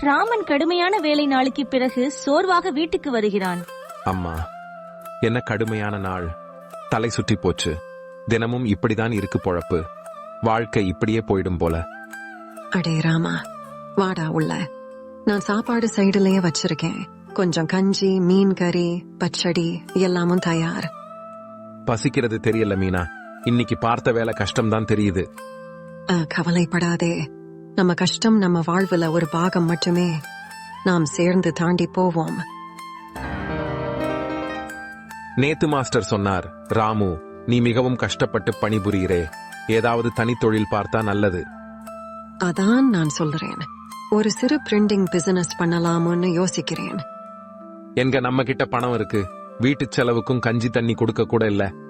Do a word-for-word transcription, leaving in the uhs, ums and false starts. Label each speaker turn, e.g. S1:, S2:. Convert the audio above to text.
S1: ராமன் கடுமையான வேலை நாளுக்கு பிறகு சோர்வாக வீட்டுக்கு வருகிறான்.
S2: அம்மா, என்ன கடுமையான நாள். தலை சுற்றி போச்சு. தினமும் இப்படிதான் இருக்கு பொழப்பு. வாழ்க்கை இப்படியே போயிடும் போல.
S3: அடே ராமா, வாடா உள்ள. நான் சாப்பாடு சைடுலயே வச்சிருக்கேன். கொஞ்சம் கஞ்சி, மீன் கறி, பச்சடி எல்லாமும் தயார்.
S2: பசிக்கிறது தெரியல மீனா. இன்னைக்கு பார்த்த வேலை கஷ்டம்தான் தெரியுது.
S3: அஹ், கவலைப்படாதே. நம்ம கஷ்டம் நம்ம வாழ்வுல ஒரு பாகம் மட்டுமே. நாம் சேர்ந்து தாண்டி போவோம்.
S2: நேத்து மாஸ்டர் சொன்னார், ராமு, நீ மிகவும் கஷ்டப்பட்டு பணிபுரிகிறே. ஏதாவது தனித்தொழில் பார்த்தா நல்லது.
S3: அதான் நான் சொல்றேன். ஒரு சிறு பிரிண்டிங் பிசினஸ் பண்ணலாம்னு யோசிக்கிறேன்.
S2: எங்க நம்ம கிட்ட பணம் இருக்கு. வீட்டு செலவுக்கும் கஞ்சி தண்ணி கொடுக்க கூட இல்ல.